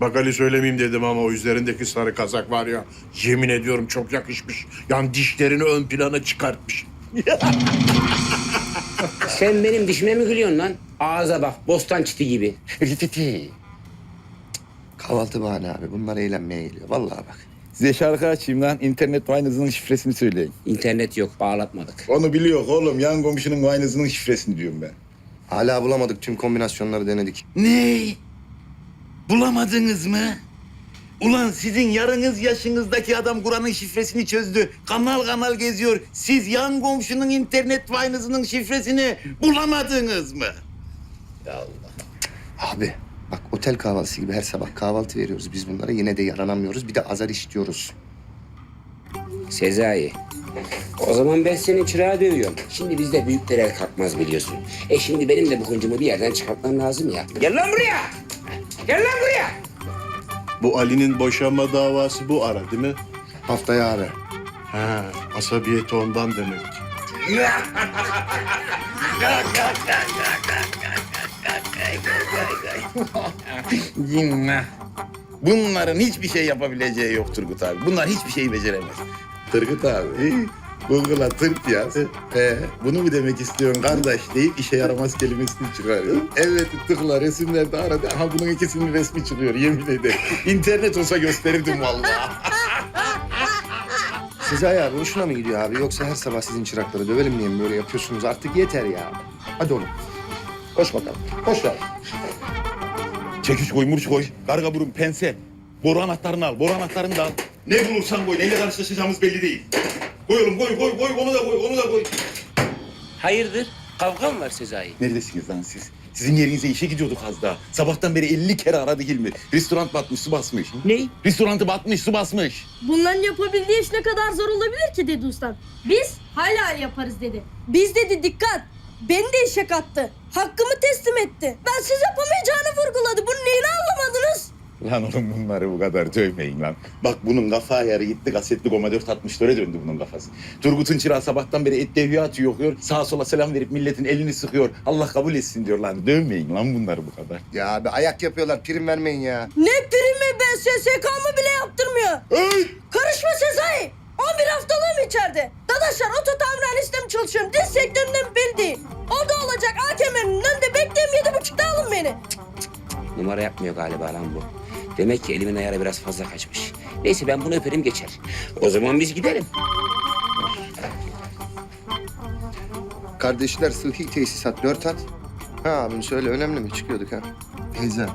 Bak Ali söylemeyeyim dedim ama o üzerindeki sarı kazak var ya, yemin ediyorum çok yakışmış. Yani dişlerini ön plana çıkartmış. Sen benim dişime mi gülüyorsun lan? Ağza bak, bostan çiti gibi. Rititi. Kahvaltı bahane abi. Bunlar eğlenmeye geliyor. Vallahi bak. Size şarkı açayım lan. İnternet Wine'ınızın şifresini söyleyin. İnternet yok, bağlatmadık. Onu biliyor oğlum. Yan komşunun Wine'ınızın şifresini diyorum ben. Hala bulamadık. Tüm kombinasyonları denedik. Ne? Bulamadınız mı? Ulan sizin yarınız yaşınızdaki adam Kur'an'ın şifresini çözdü. Kanal kanal geziyor. Siz yan komşunun internet Wine'ınızın şifresini bulamadınız mı? Abi bak otel kahvaltısı gibi her sabah kahvaltı veriyoruz biz bunlara. Yine de yaranamıyoruz. Bir de azar işliyoruz. Sezai, o zaman ben senin çırağı dövüyorum. Şimdi bizde büyükler el kalkmaz biliyorsun. Şimdi benim de bu hıncımı bir yerden çıkartmam lazım ya. Gel lan buraya! Gel lan buraya! Bu Ali'nin boşanma davası bu ara değil mi? Haftaya abi. Ha, asabiyeti ondan demek. Cinnah. Bunların hiçbir şey yapabileceği yok Turgut abi. Bunlar hiçbir şeyi beceremez. Turgut abi, Google'a tırt yaz. Bunu mu demek istiyorsun kardeş deyip işe yaramaz kelimesini çıkarıyor. Evet tıkla resimlerde aradı. Aha bunun ikisinin resmi çıkıyor yemin ederim. İnternet olsa gösterirdim vallahi. Sezai abi hoşuna mı gidiyor abi? Yoksa her sabah sizin çırakları dövelim diye mi böyle yapıyorsunuz? Artık yeter ya. Hadi oğlum. Koş bakalım. Koş lan. Çekiç koy, murç koy, karga burun, pense. Boru anahtarını al, boru anahtarını da al. Ne bulursan koy, neyle karşılaşacağımız belli değil. Koy oğlum, koy, onu da koy, onu da koy. Hayırdır? Kavga mı var Sezai? Neredesiniz lan siz? Sizin yerinize işe gidiyorduk az daha. Sabahtan beri 50 kere aradı Hilmi. Restoran batmış, su basmış. Ne? Restorantı batmış, su basmış. Bunların yapabildiği iş ne kadar zor olabilir ki dedi ustam. Biz hala yaparız dedi. Biz dedi dikkat. Beni de işe kattı. Hakkımı teslim etti. Ben siz yapamayacağını vurguladı. Bunun neyini anlamadınız? Lan oğlum bunları bu kadar dövmeyin lan. Bak bunun kafa ayarı gitti, kasetli Goma 464'e döndü bunun kafası. Turgut'un çırağı sabahtan beri et devya atıyor, okuyor. Sağa sola selam verip milletin elini sıkıyor. Allah kabul etsin diyor lan. Dövmeyin lan bunları bu kadar. Ya abi ayak yapıyorlar. Prim vermeyin ya. Ne primi ben SSK'mı bile yaptırmıyor. Hey! Karışma Sezai. 11 haftalığım içeride. Dadaşlar oto tamirhanesinde mi çalışıyorum? Diz sektöründe mi belli değil. O da olacak AKM'nin önünde bekleyeyim 7.30'da alın beni. Numara yapmıyor galiba lan bu. Demek ki elimin ayarı biraz fazla kaçmış. Neyse ben bunu öperim geçer. O zaman biz gidelim. Kardeşler sıhhi tesisat 4 at. Ha abim söyle önemli mi? Çıkıyorduk ha. Teyze.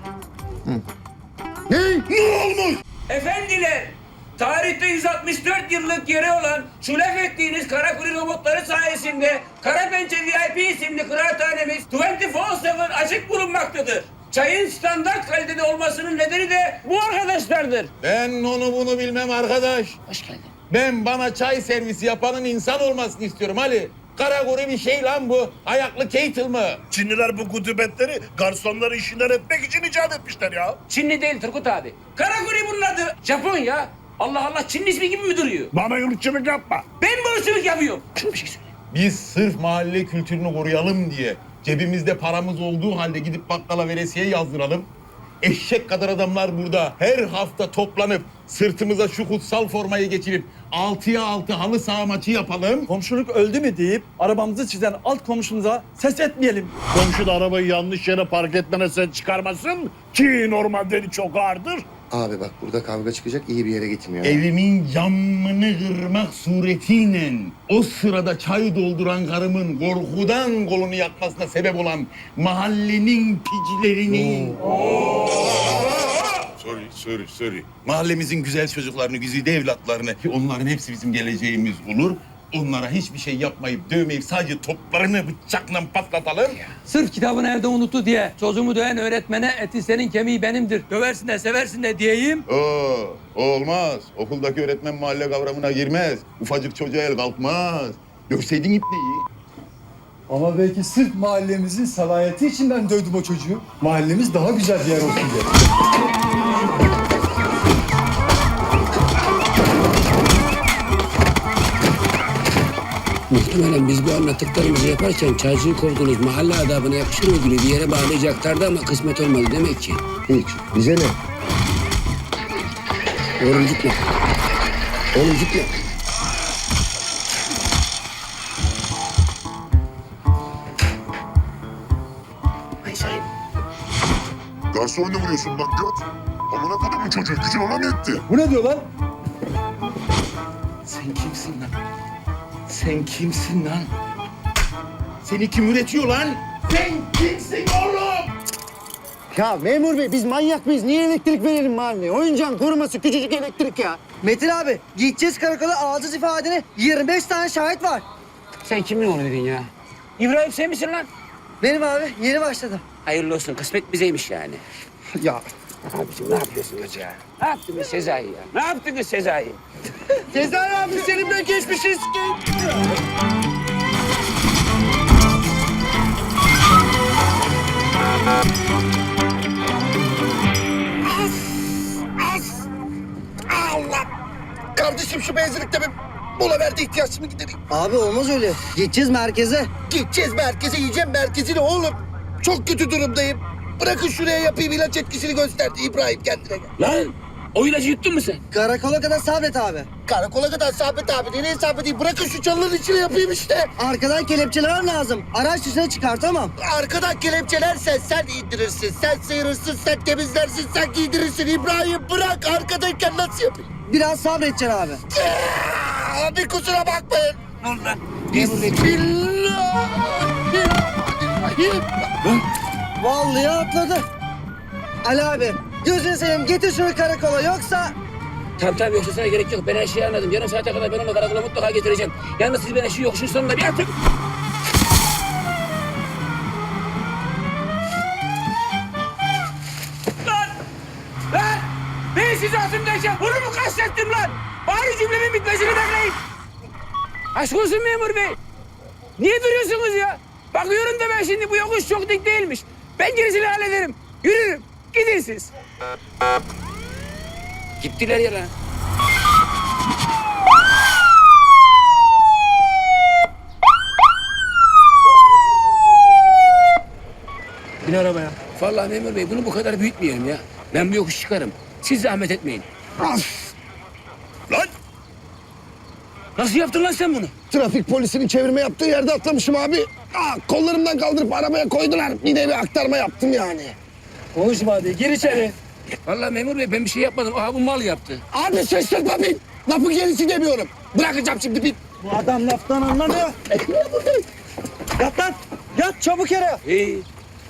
Efendiler, tarihte 164 yıllık yeri olan şu laf ettiğiniz Karakuri robotları sayesinde Karapençe VIP isimli kıraathanemiz 24/7 açık bulunmaktadır. Çayın standart kalitede olmasının nedeni de bu arkadaşlardır. Ben onu bunu bilmem arkadaş. Hoş geldin. Ben bana çay servisi yapanın insan olmasını istiyorum Ali. Karagori bir şey lan bu. Ayaklı Keitel mı? Çinliler bu kutubetleri garsonları işinden etmek için icat etmişler ya. Çinli değil Turgut abi. Karakuri bunun adı. Japon ya. Allah Allah, Çinli ismi gibi mi duruyor? Bana yurtçılık yapma. Ben bu ırkçılık yapıyorum. Şuna bir şey söyle. Biz sırf mahalle kültürünü koruyalım diye cebimizde paramız olduğu halde gidip bakkala veresiye yazdıralım. Eşek kadar adamlar burada her hafta toplanıp sırtımıza şu kutsal formayı geçirip 6'ya 6 halı saha maçı yapalım. Komşuluk öldü mü deyip arabamızı çizen alt komşumuza ses etmeyelim. Komşu da arabayı yanlış yere park etmene sen çıkarmasın ki normalde çok ağırdır. Abi bak burada kavga çıkacak iyi bir yere gitmiyor. Evimin camını kırmak suretiyle o sırada çay dolduran karımın korkudan kolunu yakmasına sebep olan mahallenin picilerini... Sorry. Mahallemizin güzel çocuklarını, güzide evlatlarını, ki onların hepsi bizim geleceğimiz olur. Onlara hiçbir şey yapmayıp, dövmeyip sadece toplarını bıçakla patlatalım. Sırf kitabını evde unuttu diye çocuğumu döven öğretmene eti senin kemiği benimdir. Döversin de seversin de diyeyim. Olmaz. Okuldaki öğretmen mahalle kavramına girmez. Ufacık çocuğa el kalkmaz. Dövseydin ipneyi. Ama belki sırf mahallemizin salayeti için ben dövdüm o çocuğu. Mahallemiz daha güzel bir yer olsun diye. Muhtemelen biz bu anlattıklarımızı yaparken çaycıyı kovduğunuz mahalle adabına yakışır ödülü bir yere bağlayacaklardı ama kısmet olmadı demek ki. Hiç. Bize ne? Oğlum gitme. Oğlum gitme. Garsonla vuruyorsun lan göt. Amına kodumun çocuğu gücün ona mı yetti? Bu ne diyor lan? Sen kimsin lan? Sen kimsin lan? Seni kim üretiyor lan? Sen kimsin oğlum? Ya memur bey biz manyak mıyız? Niye elektrik verelim mahalleye? Oyuncağın koruması küçücük elektrik ya. Metin abi, gideceğiz karakola, alacağız ifadeni. 25 tane şahit var. Sen kimin onu dedin ya? İbrahim sen misin lan? Benim abi, yeni başladım. Hayırlı olsun. Kısmet bizeymiş yani. Ya Abicim ne yapıyorsunuz ya? Ne yaptınız Sezai ya? Ne yaptınız Sezai? Sezai abi seninle geçmişiz ki. Allah! Kardeşim şu benzinlikte bir mola verdi ihtiyaçımı gidereyim. Abi olmaz öyle. Gideceğiz merkeze. Gideceğiz merkeze, yiyeceğim merkezini oğlum. Çok kötü durumdayım. Bırakın şuraya yapayım, ilaç etkisini gösterdi İbrahim kendine gel. Lan o ilacı yuttun mu sen? Karakola kadar sabret abi. Karakola kadar Sabit abi, nereye Sabit değil? Bırakın şu çalıların içine yapayım işte. Arkadan kelepçeler lazım. Araç dışına çıkartamam. Arkadan kelepçelersen sen indirirsin, sen sıyırırsın, sen temizlersin, sen giydirirsin. İbrahim bırak, arkadayken nasıl yapayım? Biraz sabredeceksin abi. Abi kusura bakmayın. Ne oldu lan? Bismillahirrahmanirrahim. Vallahi atladı. Ali abi, gözünü seveyim getir şunu karakola yoksa... Tamam yoksa sana gerek yok. Ben her şeyi anladım. Yarım saate kadar ben onu karakola mutlaka getireceğim. Yalnız siz bana şu yokuşun sonunda bir atın. Lan! Lan! Ben sizi atımdayken bunu mu kastettim lan? Bari cümlemin bitmesini bekleyin. Aşk olsun memur bey. Niye duruyorsunuz ya? Bakıyorum da ben şimdi bu yokuş çok dik değilmiş. Ben gerisini hallederim. Yürürüm. Gidin siz. Gittiler ya lan. Bin arabaya. Vallahi memur bey bunu bu kadar büyütmeyelim ya. Ben bu yokuş çıkarım. Siz zahmet etmeyin. Lan! Nasıl yaptın lan sen bunu? Trafik polisinin çevirme yaptığı yerde atlamışım abi. Kollarımdan kaldırıp arabaya koydular. Bir de bir aktarma yaptım yani. Konuşma hadi. Gir içeri. Vallahi memur bey ben bir şey yapmadım. Aha bu mal yaptı. Abi şaşırtma bin. Lafı gerisi demiyorum. Bırakacağım şimdi bin. Bu adam laftan anlamıyor. Yat lan. Yat çabuk yere. İyi.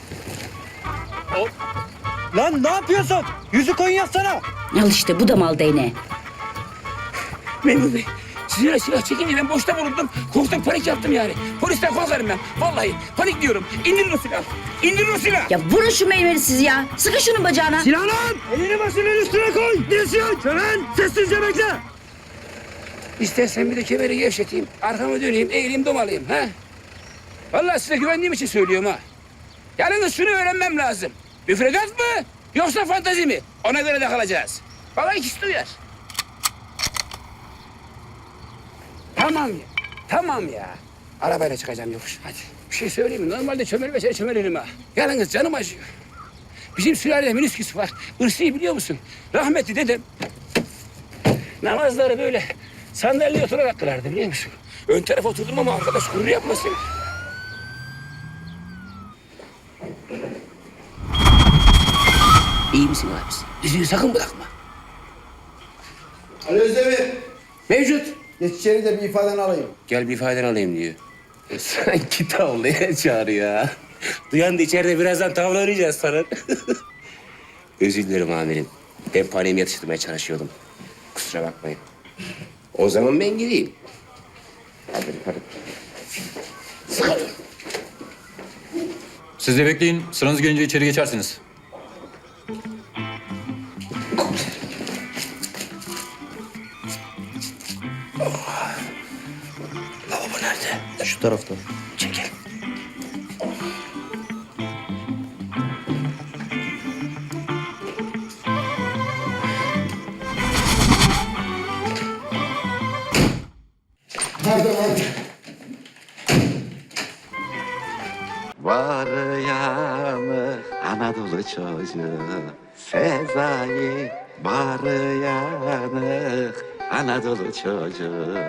Lan ne yapıyorsun? Yüzü koyun yatsana. Al işte bu da mal değneği. Memur bey. Silah çekince ben boşta bulundum. Korktum panik yaptım yani. Polisten korkarım ben. Vallahi panik diyorum. İndirin o silahı. İndirin o silahı. Ya vurun şu meyveli sizi ya. Sıkın şunun bacağına. Silah lan! Elini başının üstüne koy. Dirsiyon. Çören. Sessizce bekle. İstersen bir de kemeri gevşeteyim. Arkamı döneyim. Eğileyim domalayayım. Ha? Vallahi size güvendiğim için söylüyorum ha. Yalnız şunu öğrenmem lazım. Müfredat mı? Yoksa fantazi mi? Ona göre de kalacağız. Bana ikisi de uyar. Tamam ya. Tamam ya. Arabayla çıkacağım yokuş. Hadi. Bir şey söyleyeyim mi? Normalde çömelmese çömelirim ha. Yalnız canım acıyor. Bizim sülalede minisküs var. Irsi'yi biliyor musun? Rahmetli dedem namazları böyle sandalyeye oturarak kılardı biliyor musun? Ön tarafa oturdum ama arkadaş gurur yapmasın. İyi misin abisi? Yüzüğü sakın bırakma. Ali Özdemir. Mevcut. Geç içeri de bir ifadeni alayım. Gel bir ifadeni alayım diyor. Sanki tavlaya çağırıyor ha. Duyan da içeride birazdan tavla oynayacağız sana. Özür dilerim amirim. Ben paniğimi yatıştırmaya çalışıyordum. Kusura bakmayın. O zaman ben gideyim. Hadi. Sıkarıyorum. Siz de bekleyin. Sıranız gelince içeri geçersiniz. Lavabo nerede? Şu tarafta. Çekil. Var yanı Anadolu çocuğu Sezai, barı yanık, Anadolu çocuğu.